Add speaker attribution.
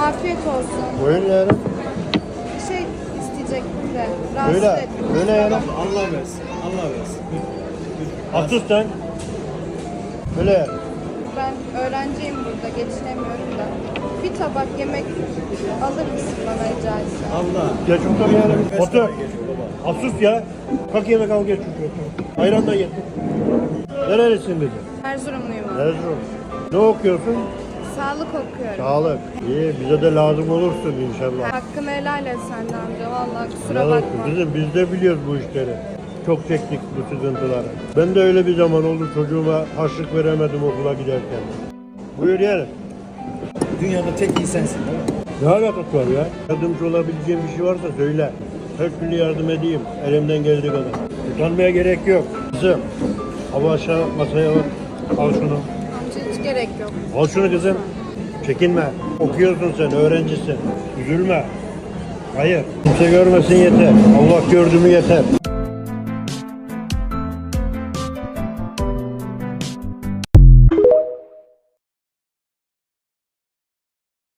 Speaker 1: Afiyet olsun.
Speaker 2: Buyurun yarın.
Speaker 1: Bir şey isteyecektim de. Rahatsız
Speaker 2: Böyle,
Speaker 1: ettim.
Speaker 2: böyle yarın.
Speaker 3: Allah versin. Allah versin.
Speaker 2: Asus sen. Böyle yarın.
Speaker 1: Ben öğrenciyim burada. Geçinemiyorum da. Bir tabak yemek alır mısın bana rica etsem?
Speaker 3: Allah.
Speaker 2: Geç otur yarın.
Speaker 3: Kaç
Speaker 2: Otur.
Speaker 3: tane geçiyor baba?
Speaker 2: Asus ya. Kalk yemek al geç otur. Ayran da getir. Nerelisin dedi.
Speaker 1: Erzurumluyum abi.
Speaker 2: Erzurum. Ne okuyorsun?
Speaker 1: Sağlık okuyorum.
Speaker 2: Sağlık. İyi bize de lazım olursun inşallah.
Speaker 1: Hakkını helal et sen de amca. Vallahi kusura
Speaker 2: Helal olsun.
Speaker 1: bakma.
Speaker 2: Bizim biz de biliyoruz bu işleri. Çok çektik bu sıkıntıları. Ben de öyle bir zaman oldu çocuğuma harçlık veremedim okula giderken. Buyur yeğenim.
Speaker 3: Dünyada tek iyi sensin değil mi?
Speaker 2: Ne alakası var ya? Yardımcı olabileceğim bir şey varsa söyle. Her türlü yardım edeyim. Elimden geldiği kadar. Utanmaya gerek yok. Kızım. Hava aşağı masaya bak. Al şunu.
Speaker 1: Amca hiç gerek yok.
Speaker 2: Al şunu kızım. Çekinme. Okuyorsun sen. Öğrencisin. Üzülme. Hayır. Kimse görmesin yeter. Allah gördü mü yeter.